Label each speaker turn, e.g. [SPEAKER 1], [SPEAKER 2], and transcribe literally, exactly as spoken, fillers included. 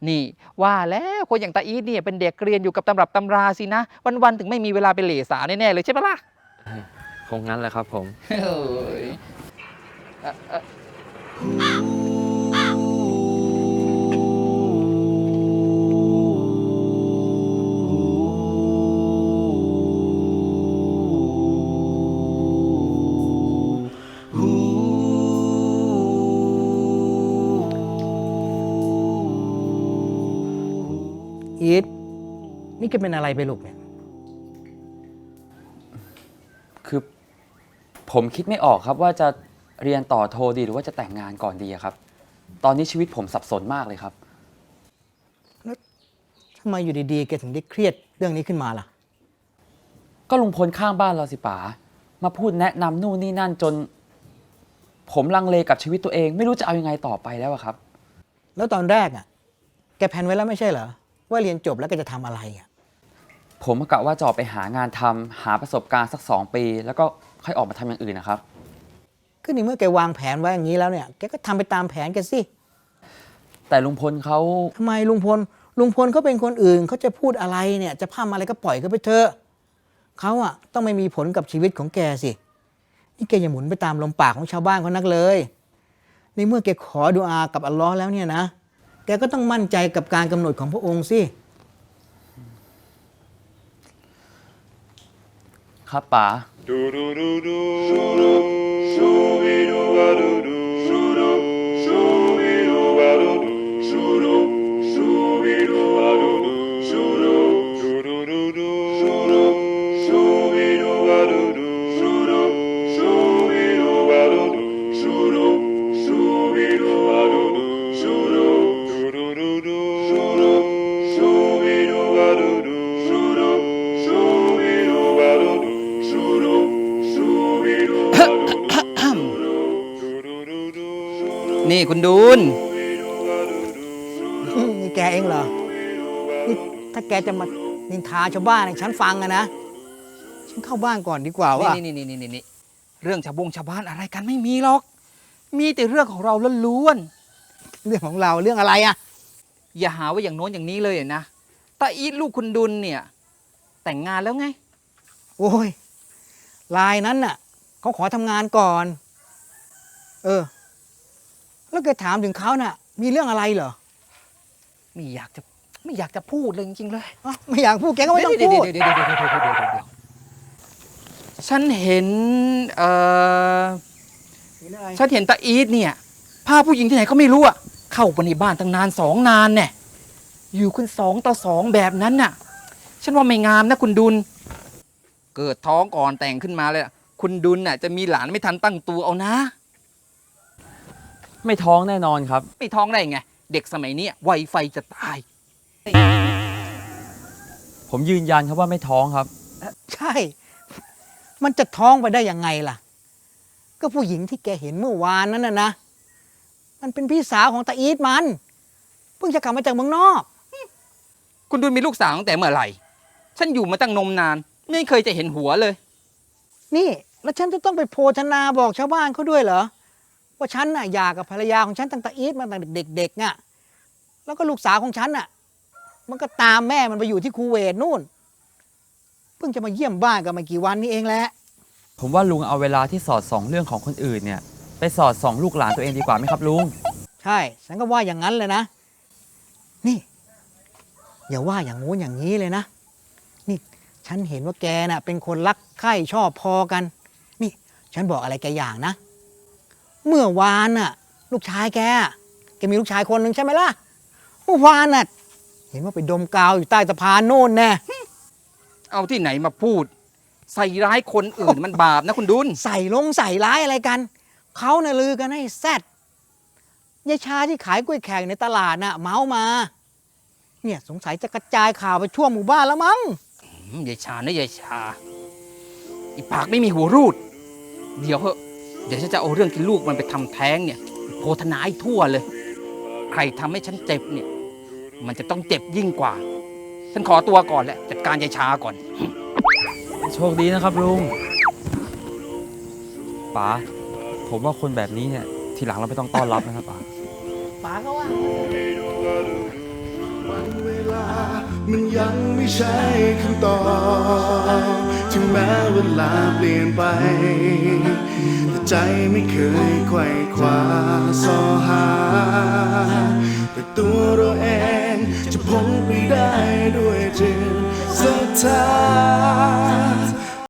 [SPEAKER 1] นี่ว่าแล้วคนอย่างตาอีทเนี่ยเป็นเด็กเรียนอยู่กับตำรับตำราสินะ วันๆถึงไม่มีเวลาไปเหล่สาวแน่ๆเลยใช่ปะล่ะ
[SPEAKER 2] คงงั้นแหละครับผม
[SPEAKER 1] เฮ้ยเอ่อเอ่อ
[SPEAKER 3] อีทนี่แกเป็นอะไรไปลูกเนี่ย
[SPEAKER 2] คือผมคิดไม่ออกครับว่าจะเรียนต่อโทดีหรือว่าจะแต่งงานก่อนดีอะครับ ตอนนี้ชีวิตผมสับสนมากเลยครับ
[SPEAKER 3] ทำไมอยู่ดีๆ แกถึงได้เครียดเรื่องนี้ขึ้นมาล่ะ
[SPEAKER 2] ก็ลุงพลข้างบ้านเราสิป๋ามาพูดแนะนำนู่นนี่นั่นจน ผมลังเลกับชีวิตตัวเอง ไม่รู้จะเอายังไงต่อไปแล้วอะครับ
[SPEAKER 3] แล้วตอนแรกอ่ะ แกแพลนไว้แล้วไม่ใช่เหรอ ว่าเรียนจบแล้วแกจะทำอะไรอ่ะ
[SPEAKER 2] ผมกะว่าจะออกไปหางานทำหาประสบการณ์สักสองปี แล้วก็ค่อยออกมาทำอย่างอื่นนะครับ
[SPEAKER 3] ก็ในเมื่อแกวางแผนไว้อย่างนี้แล้วเนี่ย แกก็ทำไปตามแผนแกสิ
[SPEAKER 2] แต่ลุงพลเขา
[SPEAKER 3] ทำไมลุงพล ลุงพลเขาเป็นคนอื่นเขาจะพูดอะไรเนี่ย จะพร่ำอะไรก็ปล่อยเขาไปเถอะเขาอ่ะต้องไม่มีผลกับชีวิตของแกสิ นี่แกอย่าหมุนไปตามลมปากของชาวบ้านเขานักเลย ในเมื่อแกขอดุอากับอัลลอฮ์แล้วเนี่ยนะ แกก็ต้องมั่นใจกับการกำหนดของพระองค์สิ
[SPEAKER 2] ครับป๋า
[SPEAKER 1] นี่คุณดูน
[SPEAKER 3] นี่แกเองเหรอนี่ถ้าแกจะมานินทาชาวบ้านให้ฉันฟังอะนะ ฉันเข้าบ้านก่อนดีกว่าว่า
[SPEAKER 1] นี่นี่นี่นี่นี่เรื่องชาวบงชาวบ้านอะไรกันไม่มีหรอก มีแต่เรื่องของเราล้วน
[SPEAKER 3] เรื่องของเราเรื่องอะไรอะ
[SPEAKER 1] ๆอย่าหาว่าอย่างโน้นอย่างนี้เลยนะตาอีทลูกคุณดุลเนี่ย แต่งงานแล้วไง
[SPEAKER 3] โอ้ยลายนั้นน่ะเขาขอทำงานก่อน เออ แล้วแกถามถึงเขาน่ะ มีเรื่องอะไรเหรอ
[SPEAKER 1] ไม่อยากจะไม่อยากจะพูดเลยจริงๆเลย
[SPEAKER 3] อ้าวไม่อยากพูดแกก็ไม่ต้องพูด
[SPEAKER 1] เดี๋ยวเดี๋ยวเดี๋ยวเดี๋ยวเดี๋ยวเดี๋ยวเดี๋ยวเดี๋ยวฉันเห็นเอ่อ
[SPEAKER 3] มีเรื่องอะไร
[SPEAKER 1] ฉันเห็นตาอีทเนี่ยพาผู้หญิงที่ไหนก็ไม่รู้อะเข้าไปในบ้านตั้งนานสองนานเนี่ยอยู่คุณสองต่อสองแบบนั้นน่ะ ฉันว่าไม่งามนะคุณดุล เกิดท้องก่อนแต่งขึ้นมาเลยอะคุณดุลน่ะจะมีหลานไม่ทันตั้งตัวเอานะ
[SPEAKER 2] ไม่ท้องแน่นอนครับ
[SPEAKER 1] ไม่ท้องได้ไง เด็กสมัยนี้ไวไฟจะตาย
[SPEAKER 2] ผมยืนยันครับว่าไม่ท้องครับ
[SPEAKER 3] ใช่ มันจะท้องไปได้ยังไงล่ะ ก็ผู้หญิงที่แกเห็นเมื่อวานนั้นน่ะนะ มันเป็นพี่สาวของตาอีทมัน เพิ่งจะกลับมาจากเมืองนอก
[SPEAKER 1] คุณดุลมีลูกสาวตั้งแต่เมื่อไหร่ ฉันอยู่มาตั้งนมนาน ไม่เคยจะเห็นหัวเลย
[SPEAKER 3] นี่ แล้วฉันจะต้องไปโพธนาบอกชาวบ้านเขาด้วยเหรอ ว่าฉันน่ะอยากกับภรรยาของฉันตั้งแต่อีทมาตั้งแต่เด็กๆน่ะ แล้วก็ลูกสาวของฉันน่ะ มันก็ตามแม่มันไปอยู่ที่คูเวตนู่น เพิ่งจะมาเยี่ยมบ้านกันมากี่วันนี้เองแหละ
[SPEAKER 2] ผมว่าลุงเอาเวลาที่สอดส่องเรื่องของคนอื่นเนี่ย ไปสอดส่องลูกหลานตัวเองดีกว่าไหมครับลุง
[SPEAKER 3] ใช่ ฉันก็ว่าอย่างนั้นเลยนะ นี่ อย่าว่าอย่างงู้นอย่างนี้เลยนะ นี่ ฉันเห็นว่าแกน่ะ เป็นคนรักใคร่ชอบพอกัน นี่ ฉันบอกอะไรแกอย่างนะ เมื่อวานน่ะ ลูกชายแกอะแกมีลูกชายคนหนึ่งใช่ไหมล่ะ เมื่อวานน่ะ เห็นว่าไปดมกาวอยู่ใต้สะพานโน่นแน่
[SPEAKER 1] เอาที่ไหนมาพูด ใส่ร้ายคนอื่นมันบาปนะคุณดุล
[SPEAKER 3] ใส่ลงใส่ร้ายอะไรกัน เขาน่ะลือกันให้แซดยายชาที่ขายกล้วยแขกในตลาดน่ะ เมามา เนี่ยสงสัยจะกระจายข่าวไปทั่วหมู่บ้านแล้วมั้ง
[SPEAKER 1] อืมยายชานะยายชา อีปากไม่มีหัวรูด เดี๋ยวเหอะเดี๋ยวฉันจะเอาเรื่องที่ลูกมันไปทำแท้งเนี่ย โพธนาให้ทั่วเลย ใครทำให้ฉันเจ็บเนี่ย มันจะต้องเจ็บยิ่งกว่า ฉันขอตัวก่อนแหละจัดการยายชาก่อน
[SPEAKER 2] โชคดีนะครับลุงป๋าผมว่าคนแบบนี้เนี่ย ทีหลังเราไม่ต้องต้อนรับนะครับป๋า
[SPEAKER 3] ป๋าก็ว่า
[SPEAKER 4] มันยังไม่ใช่คำตอบถึงแม้เวลาเปลี่ยนไปแต่ใจไม่เคยไขว่คว้า